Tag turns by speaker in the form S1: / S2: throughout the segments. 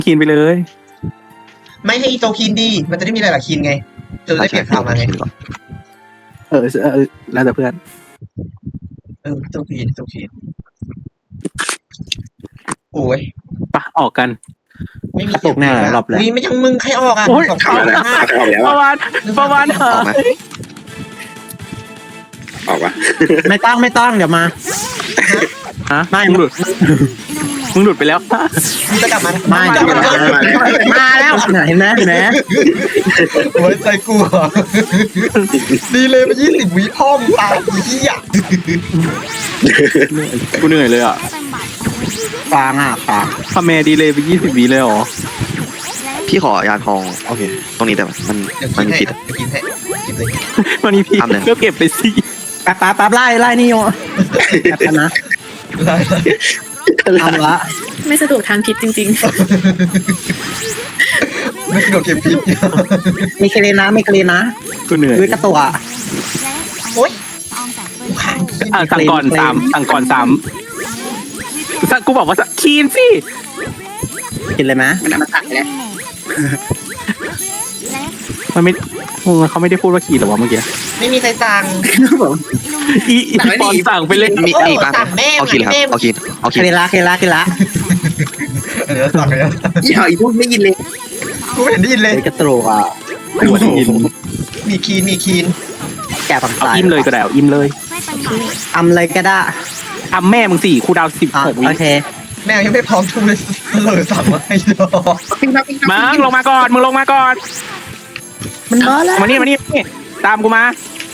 S1: คีนไปเลย
S2: ไม่ให้อีโจคีนดีมันจะได้มีหลายๆคีนไงจะได้เปลี่ยนข่าวมาไง
S1: แล้วแต่เพื่อน
S2: โจคีนโอ้ย
S1: ปะออกกัน
S2: ไม่มี
S3: ตกแน่รอบแรก
S2: อุ้ยไม่ยังมึงใครออกอ่ะ
S1: โอ้ย
S2: สอง
S1: เข้า
S2: คน
S1: แล้ว
S2: ห้า
S1: ประวันหา
S4: ออกไหมออกปะ
S3: ไม่ต้องเดี๋ยวมา
S1: ฮะ
S3: ไม่
S1: มึงหลุดไปแล้ว
S2: มึงจะกลับมา
S3: ไม่
S2: จะ
S3: เดี๋ยว
S2: กลับมา
S3: มาแล้วเห็นไหม
S2: ไว้ใจกูเหรอดีเลยมา20 วิพ่อมึงตายอีเหี้ย
S1: กูเหนื่อยเลยอ่ะ
S3: ฟาง
S1: ทำแม่ดีเลยไป20 วิเลยเหรอ
S4: พี่ขอยาทองโอเคตรงนี้แต่มัน
S2: เดี๋ยว
S4: มันมี
S2: กิ
S4: พิ
S2: น
S4: ษ
S2: ให้กินให้กินเลย
S1: วันนี้พี่
S4: ทำเลย
S1: ก็เก็บไปสิ
S3: แป๊บไล่นี่โยแป๊บนะ
S2: ได้
S3: ทำละ
S5: ไม่สะดวกทางคิดจริง
S2: ไม่กินโดนเก็บพิษ
S3: ไม่เคลนะ
S1: กูเหนื่อย
S3: ด้วยกระตัว
S2: โอ๊ยกูขาด
S1: สั่งก่อน3กูบอกว่าคีนสิ
S3: กินเลยไหม
S1: มันไม่เขาไม่ได้พูดว่าคีนหรอวะเมื่อกี้
S2: ไม่มีใครสั่ง
S1: อีปอนสั่งไปเลย
S4: มีอีกปะ
S2: สั่งแม่
S4: เอาคินครับเอาคิน
S3: เคลละ
S2: เดี๋ยวสั่งเลย
S3: อย่าอีพวกไม่ยินเลย
S2: กูไม่เห็นได้ยินเลย
S3: กระตัว
S2: มีคีน
S3: แกฝั่ง
S1: เอา
S3: ซ้าย
S1: อิ่มเลยก็ได้เอาอิ่มเลย
S3: อำเลยก็ได้
S1: ทำแม่มึงสี่คูดาว16 วิ
S3: โอเค
S2: แม่ยังไม่พร้อมทุบเลยเลยสั่งมาให้รอ
S1: มึงลงมาก่อน
S3: มันเบอแล้ว
S1: มานี่ตามกูมา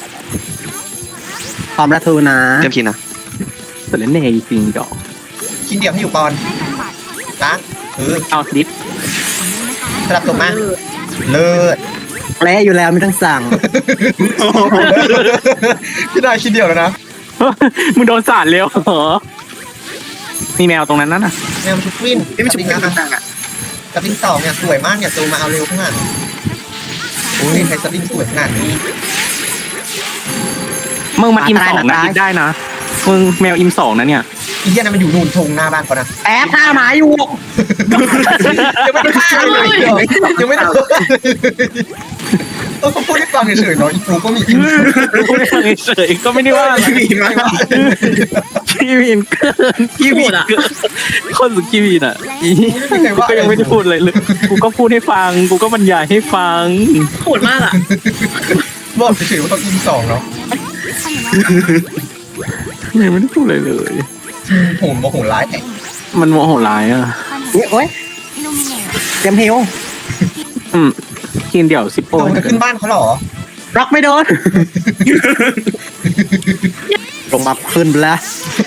S3: พร้อมระทูนะ
S4: เต็มคินนะ
S1: เสร็จแล้วเนยจริงดอก
S2: คีนเดียวให้อยู่ก่อนล้าง
S1: เอาดิฟ
S2: สลับตกมาเลิศ
S3: แล้วอยู่แล้วไม่ต้องสั่ง
S2: พี่ได้คีนเดียวแล้วนะ
S1: มึงโดนสาดเร็วเหรอมีแมวตรงนั้นน่ะ
S2: แมวชุบวินไม่ชุบวินนะสปริง2เนี่ยสวยมากเนี่ยตูมาเอาเร็วขนาดโอ้ยใครสปริงสวยขนาดนี้
S1: มึงมันอิม2นะดิฟได้นะมึงแมวอิม2นะเนี่ย
S2: อีเหี้ยนั่นมันอยู่นู่นทงหน้าบ้านเขานะ
S3: แอบฆ่าหมาอยู่
S2: ยังไม่ได้ฆ่าเลยยังไม่ได้เขาพูดให้ฟังเฉยๆเนาะอีปูก็มีอิน
S1: กูไม่ฟังเฉยก็ไม่ได้ว่าอะไรคีวีนเกินคนสุดคีวีนอ่ะกูก็ยังไม่ได้พูดเลยกูก็พูดให้ฟังกูก็บรรยายให้ฟัง
S5: ๆโหดมากอ่ะ
S2: บอกเฉยๆว่าต้องอิน2เนาะ
S1: ยังไม่ได้พูดเลยเลย
S2: โหมโหร้ายแต่
S1: มันโมโหร้ายอ่ะ
S3: โอ้ยเตรียมฮิว
S1: คีนเดี่ยว10 โป้
S2: เราจะขึ้นบ้านเขาหรอ
S3: ล็อกไม่โดนลงมาขึ้นแล้ว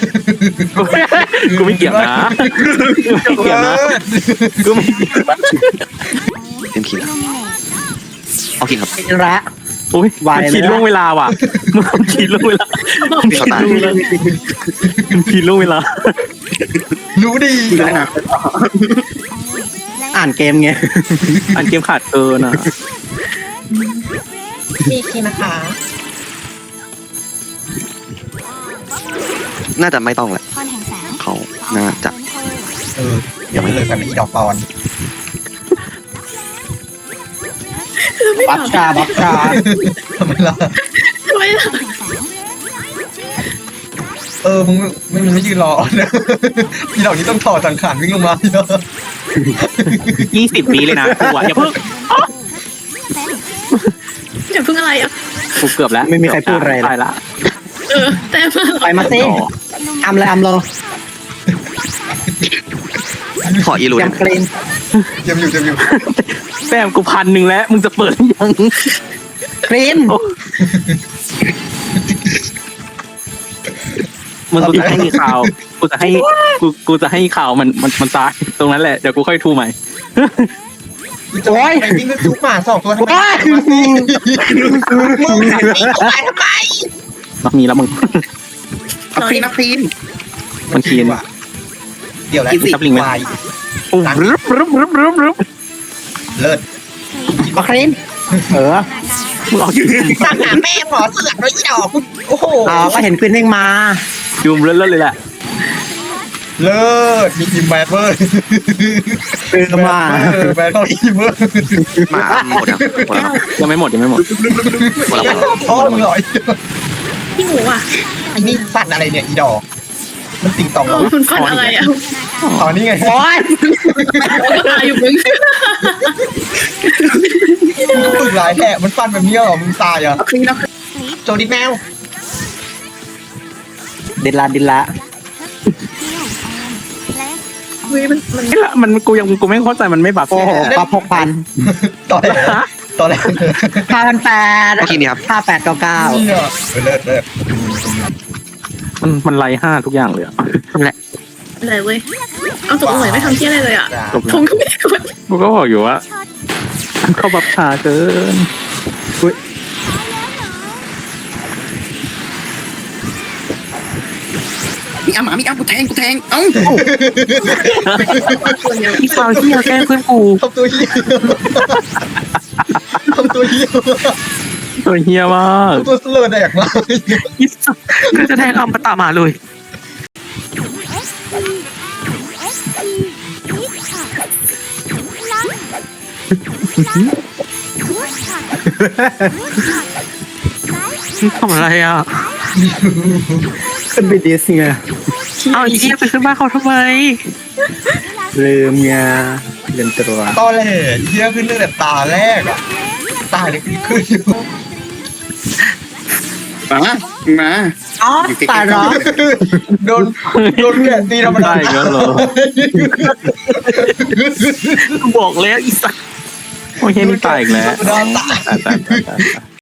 S1: กูไม่เกี่ยวนะกูไม่เกี่ยวนะกูไม่เกี่ยวนะ
S4: เต็มคินเอาคินครับ
S3: กินละ
S1: โอ้ยมันคีนล่วงเวลาว่ะมันคีนล่วงเวลา
S4: พี่เขาตาย
S1: มันคีนล่วงเวลา
S2: รู้ดี
S3: อ่านเกมไง
S1: อันเกมขาดเกินอ่ะ
S2: มีคีนะคะ
S4: น่าจะไม่ต้องแหละเขาน่าจะ
S2: ยังไม่เลยกันอีดอกปอน
S3: บัฟชา
S2: ทำไมล่ะ
S5: ทำไมล่ะ
S2: มึงไม่ยืนรอนะอีดอกนี้ต้องถอดสังขารวิ่งลงมาเนาะ
S1: 20 ปีเลยนะกูอ่ะอย่าเพิ่ง
S5: อย่าเพิ่งอะไรอ่ะ
S1: กูเกือบแล้ว
S3: ไม่มีใครพูดอะไร
S1: ตายละ
S5: แต่มา
S3: ไปมาสิอำเลยอำเลย
S4: ขออีรู
S3: เตรียม
S4: นะ
S3: เกรน
S2: เจ็บอยู่
S1: แต้มกู1,000แล้วมึงจะเปิดยัง
S3: เกรน
S1: มึงกูจะให้ข่าวกูจะให้ข่าวมันตายตรงนั้นแหละเดี๋ยวกูค่อยทูใหม่
S2: โอ้ยวิ่งก็จุกหมา2 ตัวทำไมมึงหันวิ่งออกไปทำไม
S1: มีแล้วมึง
S3: นักฟีน
S1: มันคีน
S2: เดี๋ยวแล้ว
S1: ซับลิงไหม
S2: วาย
S1: รึบ
S2: เลิศ
S3: มาเกรน
S1: มึงออกยืม
S2: สั่งหาแม่หมอเสือกเลยอีดอกโอ้โห
S3: ก็เห็นควินเด้งมา
S1: ยืมเล่นเลยแหละ
S2: เลิศมีทีมแบดเวอร์
S3: มา
S2: แบดเข้าทีมเวอร์
S4: มาหมดแล้วหมดแล้ว
S1: ยังไม่หมด
S4: หมดแล้ว
S2: พ่อมึงหน่อย
S5: พี่หมูอ่ะ
S2: ไอ้นี่ฟันอะไรเนี่ยอีดอกมันติ่งต่อง
S5: เออมันฟันอะไรอ่ะ
S2: ตอนนี้ไง
S3: โอ้ย
S5: ก็ตายอยู่มึง
S2: ฝึกหลายแท้มันฟันแบบนี้เหรอมึงตายเหรอ
S3: เอาครีนเอาครีน
S2: โจดิแมว
S3: เดินละ
S5: เฮ้ยมัน
S1: นี่ละมันกูไม่เข้าใจมันไม่บัฟ
S3: โอ้โหปลา6,000
S2: ตอนแรกตอนแรก
S3: 5,800
S4: เมื่อกี้นี้ครับ
S3: 5899
S2: นี่อ่ะเลิศเลิศ
S1: มันไล่5ทุกอย่างเลยอะ
S3: นั่นแหละ
S5: เลยเว้ยเอาตัวเหมยไม่ทำเที่ยอะไรเลยอ่ะ
S1: จบ
S5: ท
S1: แล้ว
S5: งก็ไม่ได้กด
S1: กูก็บอกอยู่ว่าเข้าบัฟช้าเกิน
S3: มีอ้ำกูแทงเอ้า
S5: ตัวเดียว
S1: อีฟาวที่แกล้งเพื่อนกู
S2: ทำตัวเหี้ยทำตัวเหี้ย
S1: ตัวเฮียมาก
S2: ตัวเสลอแดกมาก
S1: อีสัสก็จะแทงอัมตะมาเลย ทำอะไรอ่ะ
S3: ขึ้นไปดิสไง
S1: เอาอีเหี้ยไปขึ้นบ้านเขาทำไม
S3: ลืมไงลืมตัว
S2: ตอนแรกเหี้ยขึ้นตั้งแต่ตาแรกอ่ะตาเนี่ยขึ้นอยู่
S3: มาอ๋อตายเหรอ
S2: โดนแกะตีธรรมดา
S1: ได้อีกแล้วเหรอ บอกแล้วอีสัสโอเคนี่ตายอีกแล้ว
S2: ธรรมดาตาย
S1: ตาย